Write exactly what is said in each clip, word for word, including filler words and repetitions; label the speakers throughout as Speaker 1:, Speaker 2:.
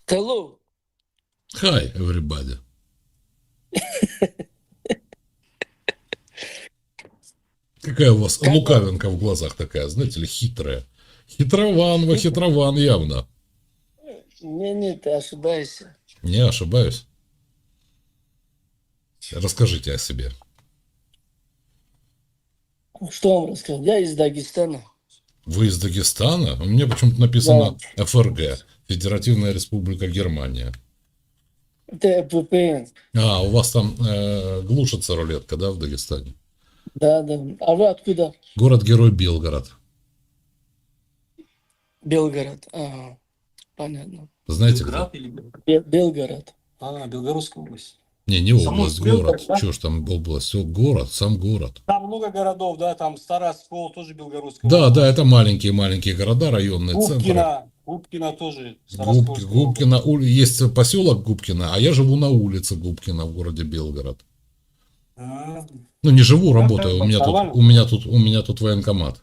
Speaker 1: Hello.
Speaker 2: Hi, everybody. Какая у вас
Speaker 1: Как вам?
Speaker 2: лукавинка в глазах такая, знаете ли, хитрая. Хитрован, вы хитрован явно.
Speaker 1: Не, не, ты ошибаешься.
Speaker 2: Не ошибаюсь. Расскажите о себе.
Speaker 1: Что вам рассказать? Я из Дагестана.
Speaker 2: Вы из Дагестана? У меня почему-то
Speaker 1: Да.
Speaker 2: написано эф эр гэ, Федеративная Республика Германия.
Speaker 1: Это вэ пэ эн.
Speaker 2: А, у вас там э, глушится рулетка, да, в Дагестане?
Speaker 1: Да, да. А вы откуда?
Speaker 2: Город-герой Белгород.
Speaker 1: Белгород. Ага. Понятно.
Speaker 2: Знаете где?
Speaker 3: Белград или Белгород?
Speaker 1: Бе- Белгород.
Speaker 3: А, Белгородская область.
Speaker 2: Не, не область,
Speaker 3: Самарская
Speaker 2: город.
Speaker 1: Белгород, да?
Speaker 2: Чего ж там область? Все, город, сам город.
Speaker 3: Там много городов, да, там Староскол, тоже Белгородская
Speaker 2: Да, да,
Speaker 3: область.
Speaker 2: это маленькие-маленькие города, районные центры.
Speaker 3: Губкино, Губкино тоже
Speaker 2: Губки,
Speaker 3: Староскольская область.
Speaker 2: Губкино, ули- есть поселок Губкино, а я живу на улице Губкино в городе Белгород.
Speaker 3: А,
Speaker 2: Ну, не живу,
Speaker 3: да,
Speaker 2: работаю. У меня тут,
Speaker 3: нормально.
Speaker 2: у меня тут, у меня тут военкомат.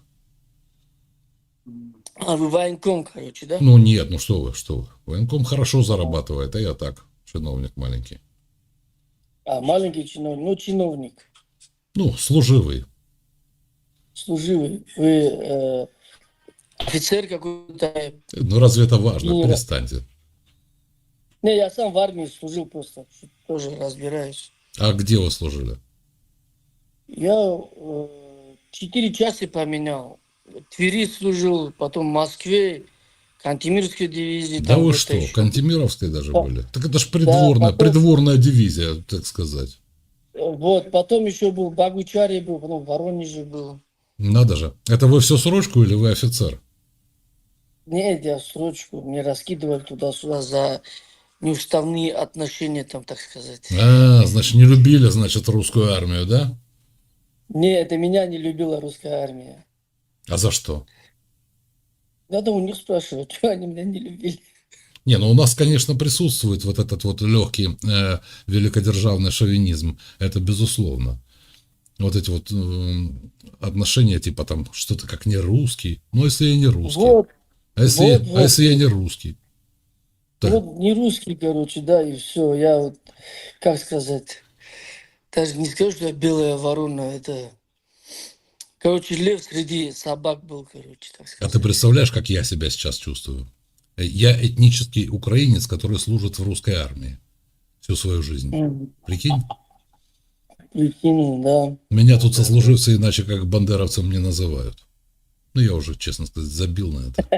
Speaker 1: А вы военком, короче, да?
Speaker 2: Ну, нет, ну что вы, что вы. Военком хорошо зарабатывает, а я так, чиновник маленький.
Speaker 1: А, маленький чиновник. Ну, чиновник.
Speaker 2: Ну, служивый.
Speaker 1: Служивый. Вы э, офицер какой-то.
Speaker 2: Ну, разве это важно?
Speaker 1: Генерал.
Speaker 2: Перестаньте.
Speaker 1: Не, я сам в армии служил просто. Тоже разбираюсь.
Speaker 2: А где вы служили?
Speaker 1: Я э, четыре части поменял. В Твери служил, потом в Москве, Кантемирской дивизии.
Speaker 2: Да
Speaker 1: Там
Speaker 2: вы
Speaker 1: где-то
Speaker 2: что,
Speaker 1: еще.
Speaker 2: Кантемировской даже
Speaker 1: Да,
Speaker 2: были? Так это ж
Speaker 1: да,
Speaker 2: придворная,
Speaker 1: потом,
Speaker 2: придворная дивизия, так сказать.
Speaker 1: вот, потом еще был в Богучаре был, потом в Воронеже был.
Speaker 2: Надо же. Это вы все срочку или вы офицер?
Speaker 1: Нет, я срочку, мне раскидывали туда-сюда за неуставные отношения, там, так сказать.
Speaker 2: А, значит, не любили, значит, русскую армию, да?
Speaker 1: Не, это меня не любила русская армия.
Speaker 2: А за что?
Speaker 1: Надо у них спрашивать, что они меня не любили.
Speaker 2: Не, ну у нас, конечно, присутствует вот этот вот легкий э, великодержавный шовинизм. Это безусловно. Вот эти вот э, отношения, типа там, что-то как не русский. Ну, если я не русский.
Speaker 1: Вот,
Speaker 2: А если,
Speaker 1: вот,
Speaker 2: а
Speaker 1: вот,
Speaker 2: если я не русский? Да.
Speaker 1: вот не русский, короче, да, и все. Я вот, как сказать, даже не скажу, что я белая ворона, это, короче, лев среди собак был, короче, так
Speaker 2: А ты
Speaker 1: сказать.
Speaker 2: представляешь, как я себя сейчас чувствую? Я этнический украинец, который служит в русской армии всю свою жизнь.
Speaker 1: Мгм.
Speaker 2: Прикинь?
Speaker 1: Прикинь, да.
Speaker 2: Меня
Speaker 3: Да,
Speaker 2: тут
Speaker 3: да, да.
Speaker 2: сослуживцы иначе как бандеровцем не называют. Ну, я уже, честно сказать, забил на это.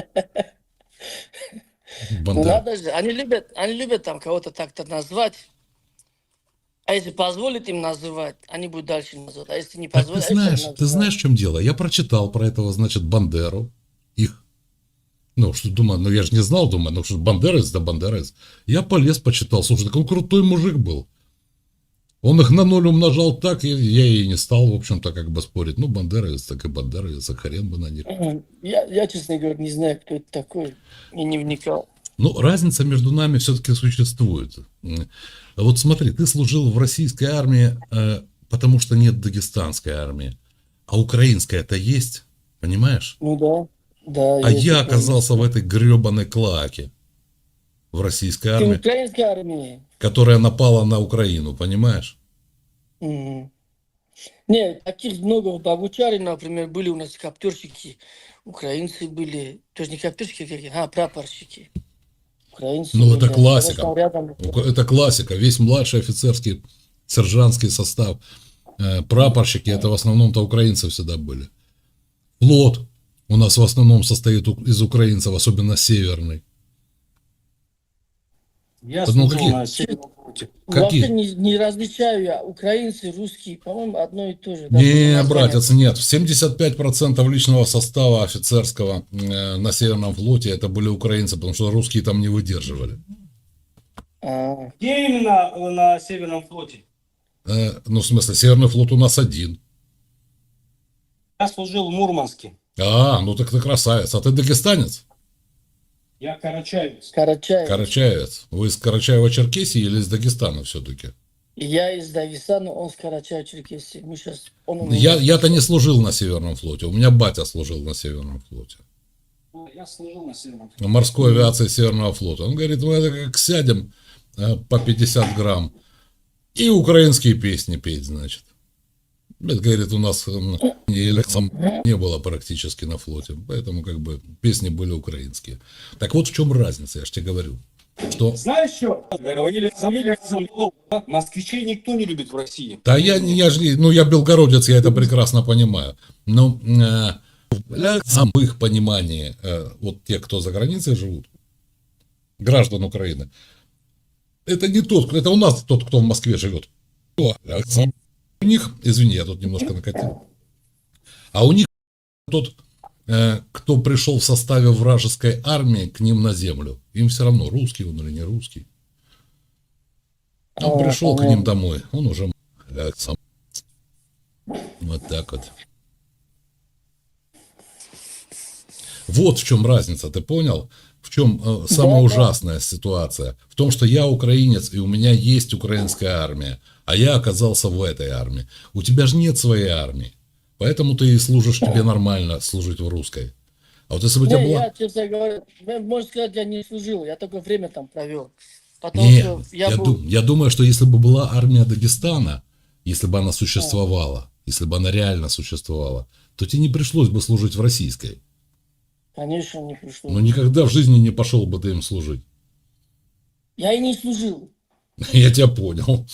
Speaker 1: Ну
Speaker 2: Бандер...
Speaker 1: надо же, они любят, они любят там кого-то так-то назвать. А если позволит им называть, они будут дальше называть. А если не
Speaker 2: Так ты
Speaker 1: позволят, они так
Speaker 2: знаешь, ты
Speaker 1: называют.
Speaker 2: знаешь, в чем дело? Я прочитал про этого, значит, Бандеру. Их. Ну, что думаю, ну я же не знал, думаю, ну что бандерец, да бандерец. Я полез, почитал. Слушай, так он крутой мужик был. Он их на ноль умножал так, и я и не стал, в общем-то, как бы спорить. Ну, бандеровец, так и бандеровец, а хрен бы на них.
Speaker 1: Мгм. Я, я, честно говоря, не знаю, кто это такой. И не вникал.
Speaker 2: Ну, разница между нами все-таки существует. М. Вот смотри, ты служил в российской армии, э, потому что нет дагестанской армии. А украинская-то есть, понимаешь?
Speaker 1: Ну да, да,
Speaker 2: А
Speaker 1: есть
Speaker 2: я
Speaker 1: украинский.
Speaker 2: оказался в этой гребаной клаке в российской
Speaker 1: Ты в
Speaker 2: армии,
Speaker 1: украинской армии?
Speaker 2: которая напала на Украину, понимаешь?
Speaker 1: Мгм. Нет, таких много. В Богучаре, например, были у нас коптерщики. Украинцы были. Тоже не коптерщики, какие, а прапорщики. Украинцы
Speaker 2: Ну, это
Speaker 1: были. Они,
Speaker 2: классика.
Speaker 1: конечно, рядом.
Speaker 2: Ук- Это классика. Весь младший офицерский, сержантский состав, э, прапорщики, это в основном-то украинцы всегда были. Флот у нас в основном состоит у- из украинцев, особенно северный.
Speaker 3: Я
Speaker 2: Ну,
Speaker 3: служил
Speaker 2: какие?
Speaker 3: на Северном флоте.
Speaker 1: Вообще
Speaker 2: Какие?
Speaker 1: не, не различаю я. Украинцы, русские, по-моему, одно и то же. Да, только
Speaker 2: Не,
Speaker 1: название.
Speaker 2: братец, нет. семьдесят пять процентов личного состава офицерского э, на Северном флоте это были украинцы, потому что русские там не выдерживали.
Speaker 1: А,
Speaker 3: Где именно э, на Северном флоте?
Speaker 2: Э, ну, в смысле, Северный флот у нас один.
Speaker 3: Я служил в Мурманске.
Speaker 2: А, ну так ты красавец. А ты дагестанец?
Speaker 3: Я карачаевец.
Speaker 1: Карачаев.
Speaker 2: Карачаевец. Вы из Карачаева-Черкесии или из Дагестана все-таки?
Speaker 1: Я из Дагестана, он с Карачаева-Черкесии. Мы сейчас, он у меня
Speaker 2: Я, я-то не
Speaker 1: сейчас.
Speaker 2: служил на Северном флоте. У меня батя служил на Северном флоте.
Speaker 3: Я служил на Северном.
Speaker 2: морской авиации Северного флота. Он говорит, мы это как сядем э, по пятьдесят грамм и украинские песни петь, значит. Это, говорит, у нас м, или сам не было практически на флоте, поэтому как бы песни были украинские. Так вот в чем разница, я же тебе говорю. Что?
Speaker 3: Знаешь что? Говорили, забыли, да? Москвичей никто не любит в России.
Speaker 2: Да я, не- я же, не- ну я белгородец, я это прекрасно понимаю. Но э, для самых понимании, э, вот те, кто за границей живут, граждан Украины, это не тот, это у нас тот, кто в Москве живет. У них, извини, я тут немножко накатил, а у них тот, э, кто пришел в составе вражеской армии к ним на землю, им все равно, русский он или не русский. Он
Speaker 1: А,
Speaker 2: пришел к
Speaker 1: понятно.
Speaker 2: ним домой, он уже э, сам. Вот так вот. Вот в чем разница, ты понял? В чем э, самая
Speaker 1: Да, да.
Speaker 2: ужасная ситуация? В том, что я украинец, и у меня есть украинская армия, а я оказался в этой армии. У тебя же нет своей армии, поэтому ты и служишь, тебе нормально служить в русской. А вот если бы у тебя
Speaker 1: Не,
Speaker 2: была...
Speaker 1: я, честно говоря, ну, можно сказать, я не служил, я только время там провел. Потому
Speaker 2: Не,
Speaker 1: что я,
Speaker 2: я,
Speaker 1: был...
Speaker 2: дум- я думаю, что если бы была армия Дагестана, если бы она существовала, если бы она реально существовала, то тебе не пришлось бы служить в российской.
Speaker 1: Конечно, не пришло.
Speaker 2: Но никогда в жизни не пошел бы ты им служить.
Speaker 1: Я и не служил.
Speaker 2: Я тебя понял.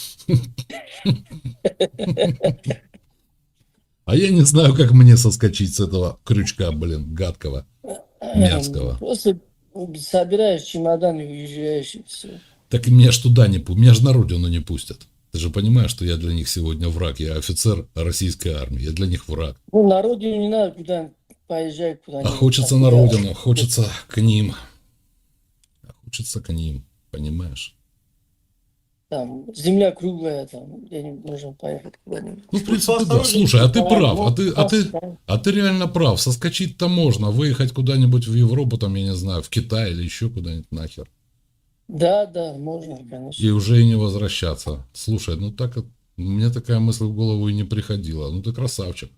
Speaker 2: А я не знаю, как мне соскочить с этого крючка, блин, гадкого, мерзкого.
Speaker 1: Просто собираешь чемодан и уезжаешь, и все.
Speaker 2: Так и меня ж туда не пустят, меня же на родину не пустят. Ты же понимаешь, что я для них сегодня враг, я офицер российской армии, я для них враг.
Speaker 1: Ну, на родину не надо куда поезжать
Speaker 2: А
Speaker 1: куда-нибудь.
Speaker 2: хочется
Speaker 1: там,
Speaker 2: на
Speaker 1: куда-
Speaker 2: родину, хочется к ним. А хочется к ним, понимаешь?
Speaker 1: Там земля круглая, там где-нибудь можно поехать куда-нибудь.
Speaker 2: Ну, в принципе, да. Слушай, а ты прав, а ты, а ты, а ты реально прав. Соскочить-то можно, выехать куда-нибудь в Европу, там, я не знаю, в Китай или еще куда-нибудь нахер.
Speaker 1: Да, да, можно, конечно.
Speaker 2: И уже и не возвращаться. Слушай, ну так, вот, мне такая мысль в голову и не приходила. Ну ты красавчик.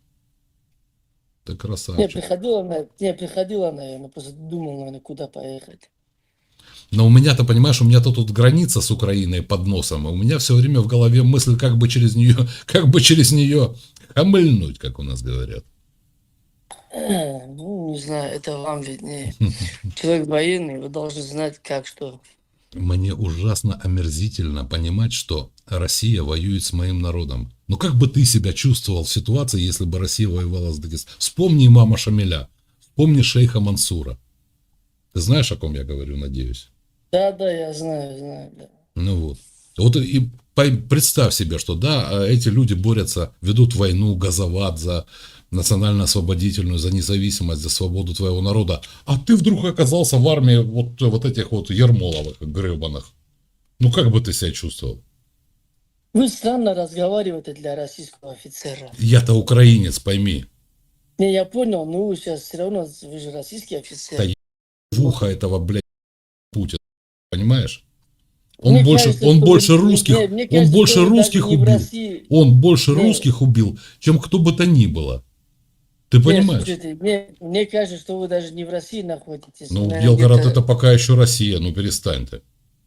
Speaker 2: Ты
Speaker 1: Не,
Speaker 2: красавчик.
Speaker 1: приходила, на- не, приходила, наверное, просто думал, наверное, куда поехать.
Speaker 2: Но у меня-то, понимаешь, у меня-то тут граница с Украиной под носом, и у меня все время в голове мысль, как бы через нее, как бы через нее хамыльнуть, как у нас говорят.
Speaker 1: Э, Ну, не знаю, это вам виднее. Человек военный, вы должны знать, как что.
Speaker 2: Мне ужасно омерзительно понимать, что Россия воюет с моим народом. Ну как бы ты себя чувствовал в ситуации, если бы Россия воевала с Дагестаном? Вспомни имама Шамиля, вспомни шейха Мансура. Ты знаешь, о ком я говорю, надеюсь?
Speaker 1: Да, да, я знаю, знаю, да.
Speaker 2: Ну вот. Вот и по- представь себе, что да, эти люди борются, ведут войну, газоват за национально-освободительную, за независимость, за свободу твоего народа. А ты вдруг оказался в армии вот, вот этих вот Ермоловых, гребаных. Ну как бы ты себя чувствовал?
Speaker 1: Вы странно разговариваете для российского офицера.
Speaker 2: Я-то украинец, пойми.
Speaker 1: Не, я понял, но вы сейчас все равно, вы же российский офицер.
Speaker 2: Да в ухо этого, блядь, Путина. Понимаешь? Он
Speaker 1: Мне
Speaker 2: больше,
Speaker 1: кажется,
Speaker 2: он
Speaker 1: что
Speaker 2: больше
Speaker 1: вы-
Speaker 2: русских,
Speaker 1: не, мне
Speaker 2: он
Speaker 1: кажется,
Speaker 2: больше
Speaker 1: что вы
Speaker 2: русских
Speaker 1: даже не в
Speaker 2: убил.
Speaker 1: России.
Speaker 2: Он больше
Speaker 1: Не.
Speaker 2: русских убил, чем кто бы то ни было. Ты
Speaker 1: Не,
Speaker 2: понимаешь?
Speaker 1: слушайте, мне, мне кажется, что вы даже не в России находитесь.
Speaker 2: Ну,
Speaker 1: наверное,
Speaker 2: Белгород
Speaker 1: где-то
Speaker 2: это пока еще Россия, ну перестань ты.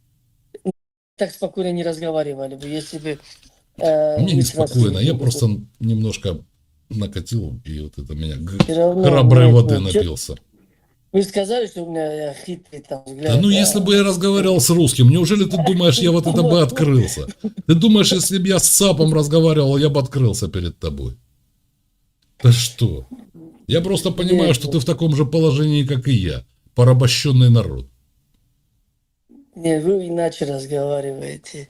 Speaker 1: так спокойно не разговаривали бы, если бы... э,
Speaker 2: Мне
Speaker 1: вы с
Speaker 2: неспокойно,
Speaker 1: Россией
Speaker 2: я
Speaker 1: были бы.
Speaker 2: просто немножко накатил, и вот это меня г-
Speaker 1: Всё равно,
Speaker 2: храброй
Speaker 1: нет,
Speaker 2: воды
Speaker 1: ну, чё-
Speaker 2: напился.
Speaker 1: Вы сказали, что у меня хитрый там взгляд.
Speaker 2: Да ну если бы я разговаривал с русским, неужели ты думаешь, я вот это бы открылся? Ты думаешь, если бы я с ЦАПом разговаривал, я бы открылся перед тобой? Да что? Я просто понимаю, что ты в таком же положении, как и я. Порабощенный народ.
Speaker 1: Нет, вы иначе разговариваете.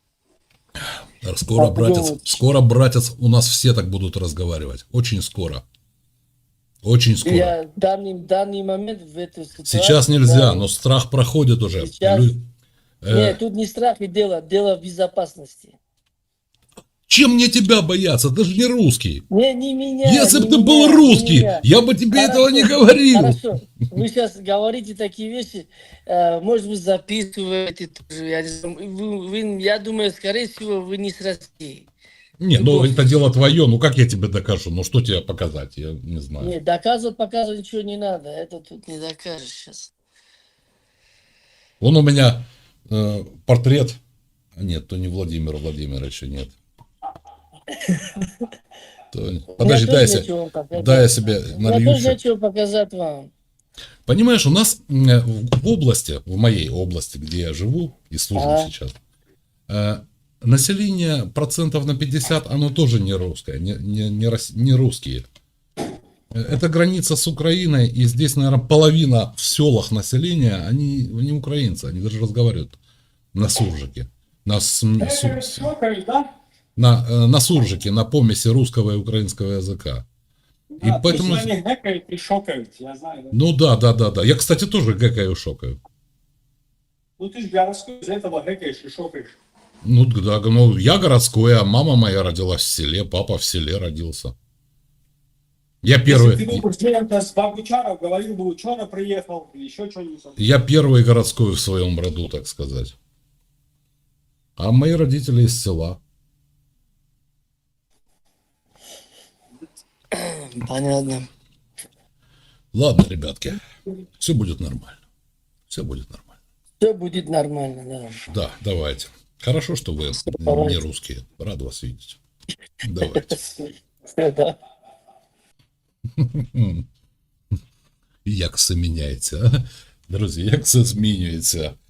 Speaker 2: Скоро,
Speaker 1: А
Speaker 2: братец,
Speaker 1: подумать.
Speaker 2: скоро, братец, у нас все так будут разговаривать. Очень скоро. Очень скоро.
Speaker 1: Я в данный, в данный момент в эту ситуацию...
Speaker 2: Сейчас нельзя,
Speaker 1: да,
Speaker 2: но страх проходит уже.
Speaker 1: Сейчас-
Speaker 2: Лю- э,
Speaker 1: Нет, тут не страх и дело, дело в безопасности.
Speaker 2: Чем мне тебя бояться? Ты же не русский.
Speaker 1: Не, не меня.
Speaker 2: Если бы
Speaker 1: не
Speaker 2: ты
Speaker 1: меня,
Speaker 2: был
Speaker 1: не
Speaker 2: русский,
Speaker 1: меня.
Speaker 2: я бы тебе
Speaker 1: Хорошо,
Speaker 2: этого не говорил.
Speaker 1: Хорошо, вы сейчас говорите такие вещи, э, может быть, записываете тоже. Я, не знаю. Вы- вы- я думаю, скорее всего, вы не с России.
Speaker 2: Не, ну
Speaker 1: Любовь.
Speaker 2: это дело твое, ну как я тебе докажу? Ну что тебе показать? Я не знаю.
Speaker 1: Не, доказывать, показывать ничего не надо. Это тут не докажешь сейчас.
Speaker 2: Вон у меня э, портрет. А нет, то не Владимира Владимировича, нет. То- Подожди, дай я,
Speaker 1: тоже
Speaker 2: се-
Speaker 1: нечего вам показать.
Speaker 2: дай я себе
Speaker 1: У меня
Speaker 2: налью
Speaker 1: тоже
Speaker 2: еще.
Speaker 1: нечего показать вам.
Speaker 2: Понимаешь, у нас э, в области, в моей области, где я живу и служу
Speaker 1: Ага.
Speaker 2: сейчас, э, население процентов на пятьдесят, оно тоже не русское, не, не, не, рос- не русские. Э, Это граница с Украиной, и здесь, наверное, половина в селах населения, они не украинцы, они даже разговаривают на суржике. На, см-
Speaker 3: Э,
Speaker 2: су- с-
Speaker 3: щелкаешь, да?
Speaker 2: на, э, на суржике, на помеси русского и украинского языка. И
Speaker 3: Да,
Speaker 2: поэтому...
Speaker 3: точно они гэкают и шокают, я знаю. Да?
Speaker 2: Ну да, да, да, да. Я, кстати, тоже гэкаю, шокаю.
Speaker 3: Ну ты же городской, из-за этого гэкаешь и шокаешь.
Speaker 2: Ну да, ну я городской, а мама моя родилась в селе, папа в селе родился. Я первый,
Speaker 3: Если ты был студентом с Богучаров, говорил бы, ученый приехал, или еще что-нибудь.
Speaker 2: я первый городской в своем роду, так сказать. А мои родители из села.
Speaker 1: Понятно.
Speaker 2: Ладно, ребятки, все будет нормально. Все будет нормально.
Speaker 1: Все будет нормально, да.
Speaker 2: Да, давайте. Хорошо, что вы
Speaker 1: давайте.
Speaker 2: не русские. Рад вас видеть. Давайте.
Speaker 1: Да.
Speaker 2: Як все міняється, а? Друзі, як все змінюється.